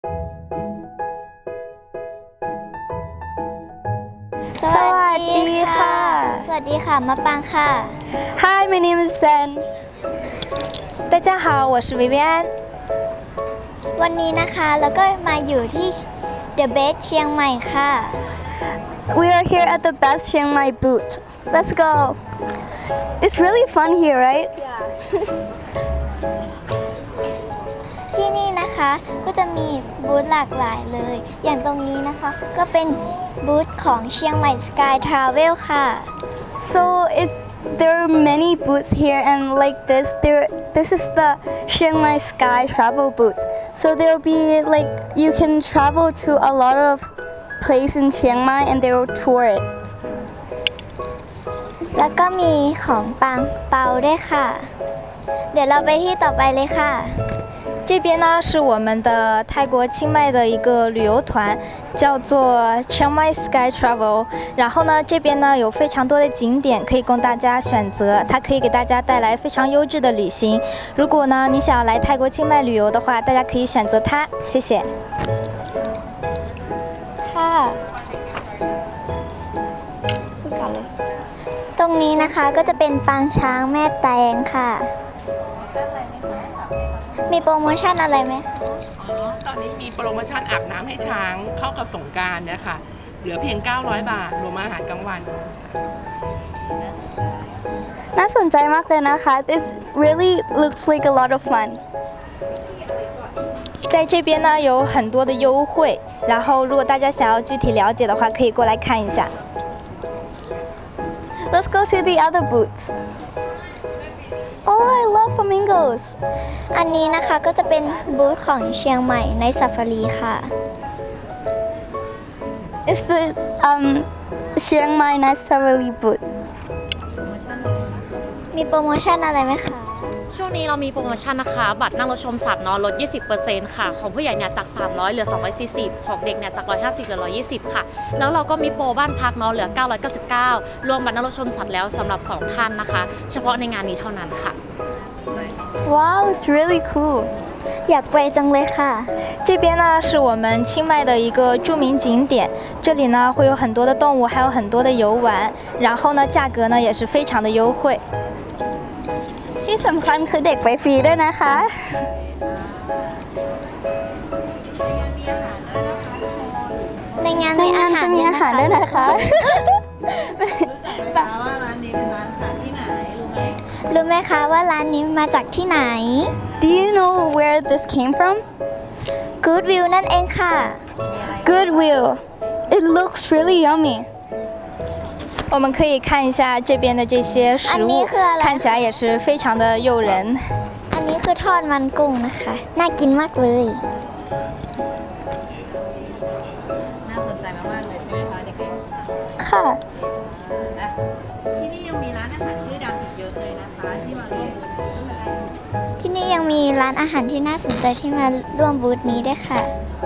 สวัสดีค่ะสวัสดีค่ะมะปางค่ะ Hi, my name is Zen. 大家好，我是维维安。 วันนี้นะคะแล้วก็มาอยู่ที่ The Best เชียงใหม่ค่ะ We are here at the Best Chiang Mai booth. Let's go. It's really fun here, right? ที่นี่นะคะก็จะมีบูธหลากหลายเลย อย่างตรงนี้นะคะก็เป็นบูธของเชียงใหม่ Sky Travel ค่ะ So there are many booths here, and like this is the Chiang Mai Sky Travel booth. So there will be like you can travel to a lot of places in Chiang Mai, and they will tour it. แล้วก็มีของปังเปาด้วยค่ะ เดี๋ยวเราไปที่ต่อไปเลยค่ะ这边呢是我们的泰国清迈的一个旅游团，叫做 Chiang Mai Sky Travel。然后呢，这边呢有非常多的景点可以供大家选择，它可以给大家带来非常优质的旅行。如果呢你想要来泰国清迈旅游的话，大家可以选择它。谢谢。 ค่ะพูดก่อนเลย ตรงนี้นะคะก็จะเป็นปางช้างแม่แตงค่ะ มีโปรโมชั่นอะไรไหมตอนนี้มีโปรโมชั่นอาบน้ำให้ช้างเข้ากับสงกรานต์เนี่ยค่ะ เหลือเพียง 900 บาท รวมอาหารกลางวันน่าสนใจมากเลยนะคะ This really looks like a lot of fun. 在这边呢有很多的优惠，然后如果大家想要具体了解的话，可以过来看一下。 Let's go to the other booths. Oh, I love flamingos. อันนี้นะคะก็จะเป็นบูธของเชียงใหม่ในซาฟารีค่ะ It's the Chiang Mai Nice Travel booth. มีโปรโมชั่นอะไรไหมคะช่วงนี้เรามีโปรโมชั่นนะคะ บัตรนั่งรถชมสัตว์เนาะลด 20% ค่ะ ของผู้ใหญ่เนี่ยจาก 300 เหลือ 240 ของเด็กเนี่ยจาก 150 เหลือ 120 ค่ะ แล้วเราก็มีโปรบ้านพักเนาะเหลือ 999 รวมบัตรนั่งรถชมสัตว์แล้วสำหรับ 2 ท่านนะคะ เฉพาะในงานนี้เท่านั้นค่ะ Wow, it's really cool. อยากไปจังเลยค่ะ这边呢是我们清迈的一个著名景点，这里呢会有很多的动物，还有很多的游玩，然后呢价格呢也是非常的优惠。 ที่สำคัญคือเด็กไปฟรีด้วยนะคะในงานในมีงานจะมีอาหารด้วยนะคะรู้ไหมคะว่าร้านนี้มาจากที่ไหน Do you know where this came from? Good View นั่นเองค่ะ Goodwill. It looks really yummy. 我们可以看一下这边的这些食物，看起来也是非常的诱人。 อันนี้คือทอดมันกุ้งนะคะ น่ากินมากเลยน่าสนใจมากๆเลยใช่ไหมคะเด็กค่ะๆที่นี่ยังมีร้านอาหารชื่อดังอีกเยอะเลยนะคะที่มาร่วมบูธนี้ที่นี่ยังมีร้านอาหารที่น่าสนใจที่มาร่วมบูธนี้ด้วยค่ะ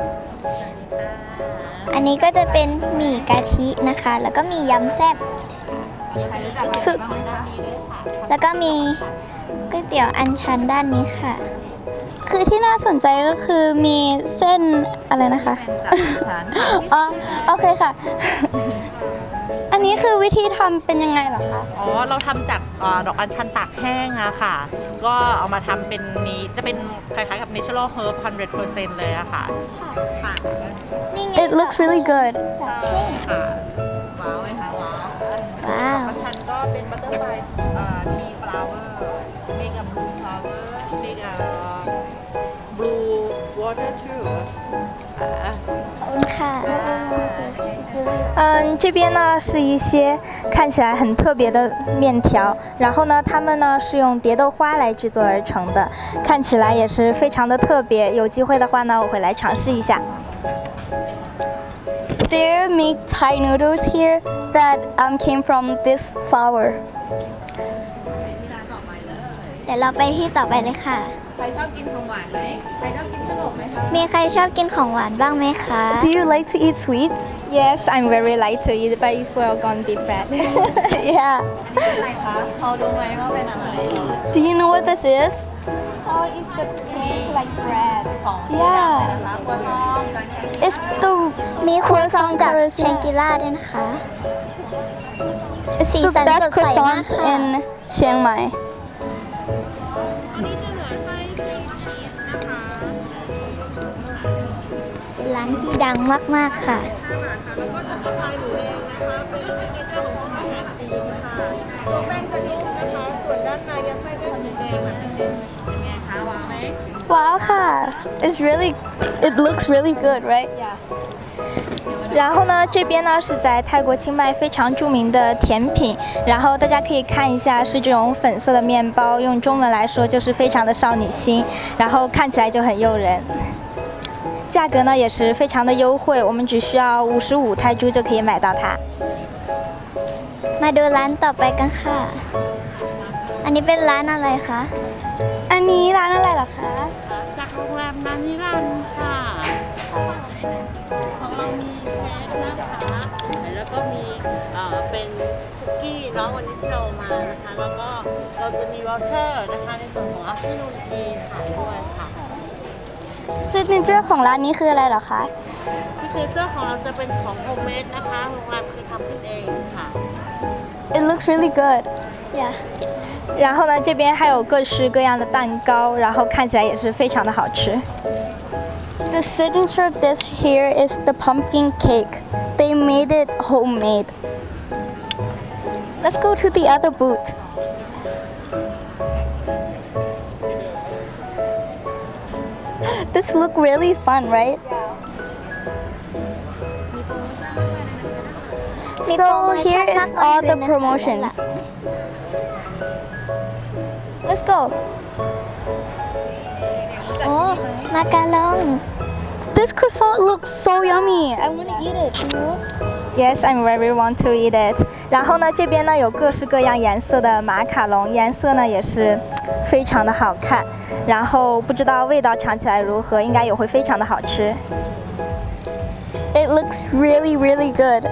อันนี้ก็จะเป็นหมี่กะทินะคะ แล้วก็มียำแซ่บสุดแล้วก็มีก๋วยเตี๋ยวอันชันด้านนี้ค่ะคือที่น่าสนใจก็คือมีเส้นอะไรนะคะ อ๋อโอเคค่ะ อันนี้คือวิธีทำเป็นยังไงเหรอคะอ๋อ เราทำจากดอกอัญชันตากแห้งอะค่ะ ก็เอามาทำเป็นนี้จะเป็นคล้ายๆกับ natural herb 100% เลยอะค่ะ ค่ะนี่ไง It looks really good. แบบเท่ค่ะ ว้าวไหมคะว้าวว้าวอัญชันก็เป็น butterfly tea flower make a blue flower make a blue water too ขอบคุณค่ะ这边呢是一些看起来很特别的面条，然后呢，它们呢是用蝶豆花来制作而成的，看起来也是非常的特别。有机会的话呢，我会来尝试一下。 They make Thai noodles here that came from this flour. เดี๋ยวเราไปที่ต่อไปเลยค่ะใครชอบกินของหวานไหมใครชอบกินขนมไหมคะมีใครชอบกินของหวานบ้างไหมคะ Do you like to eat sweets? Yes, I'm very light to eat, but it's well gonna be fat. Yeah. อันนี้เป็นอะไรคะพอรู้ไหมว่าเป็นอะไร Do you know what this is? Oh, it's the pink like bread. Yeah. It's the มีครัวซองจาก croissant เชงกิล่าด้วยนะคะ It's สี the สัน best สดใสมาก croissants ค่ะ in Chiang Mai. เป็นร้านที่ดังมากๆค่ะ Wow,ค่ะ. It looks really good, right? 然后呢，这边呢是在泰国清迈非常著名的甜品，然后大家可以看一下，是这种粉色的面包，用中文来说就是非常的少女心，然后看起来就很诱人。价格呢也是非常的优惠，我们只需要55泰铢就可以买到它。 มาดูร้านต่อไปกันค่ะ อันนี้เป็นร้านอะไรคะอันนี้ร้านอะไรเหรอคะจากโรงแรมนันนิรันดร์ค่ะ ของเรามีเค้กนะคะ แล้วก็มีเป็นคุกกี้เนาะวันนี้ที่เรามานะคะ แล้วก็เราจะมีวอลเชอร์นะคะในส่วนของ afternoon tea ขายด้วยค่ะ Signature ของร้านนี้คืออะไรเหรอคะซิกเนเจอร์ของเราจะเป็นของโฮมเมดนะคะ โรงแรมคือทำขึ้นเองค่ะ It looks really good. อย่า然后呢，这边还有各式各样的蛋糕，然后看起来也是非常的好吃。 The signature dish here is the pumpkin cake. They made it homemade. Let's go to the other booth. This look really fun, right? So here is all the promotions. Let's go. โอ้มาการอง This croissant looks so yummy. I want to eat it. Yes, I'm very want to eat it. 然后呢，这边呢有各式各样颜色的马卡龙，颜色呢也是非常的好看。然后不知道味道尝起来如何，应该也会非常的好吃。 It looks really, really good.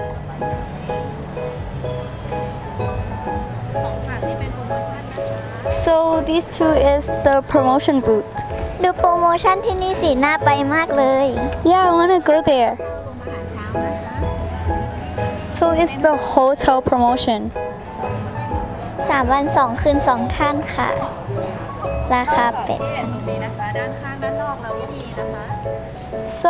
So these two is the promotion booth. ดูโปรโมชั่นที่นี่สีน่าไปมากเลย Yeah, I want to go there. So it's the hotel promotion. 3 วัน 2 คืน 2 ท่านค่ะ ราคาเป็ด So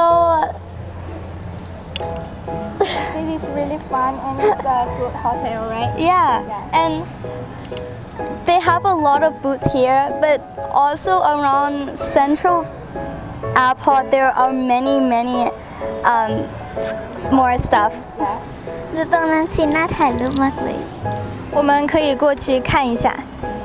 This is really fun and it's a good hotel, right? yeah, and they have a lot of booths here, but also around Central Airport there are many more stuff. ดูตรงนั้นสีน่าถ่ายรูปมากเลย我们可以过去看一下。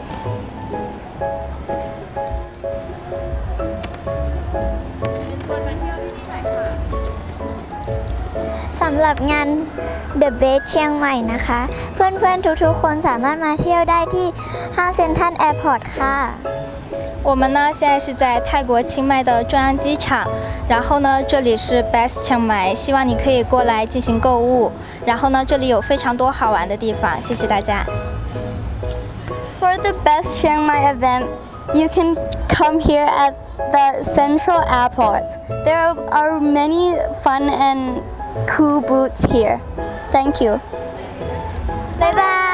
สำหรับงาน The Best เชียงใหม่นะคะ เพื่อนๆ ทุกๆ คนสามารถมาเที่ยวได้ที่ห้างเซ็นทรัลแอร์พอร์ตค่ะ我们呢现在是在泰国清迈的中央机场，然后呢这里是 Best 清迈，希望你可以过来进行购物。然后呢这里有非常多好玩的地方，谢谢大家。 For the best Chiang Mai event, you can come here at the Central Airport. There are many fun and cool booths here. Thank you. บ๊ายบาย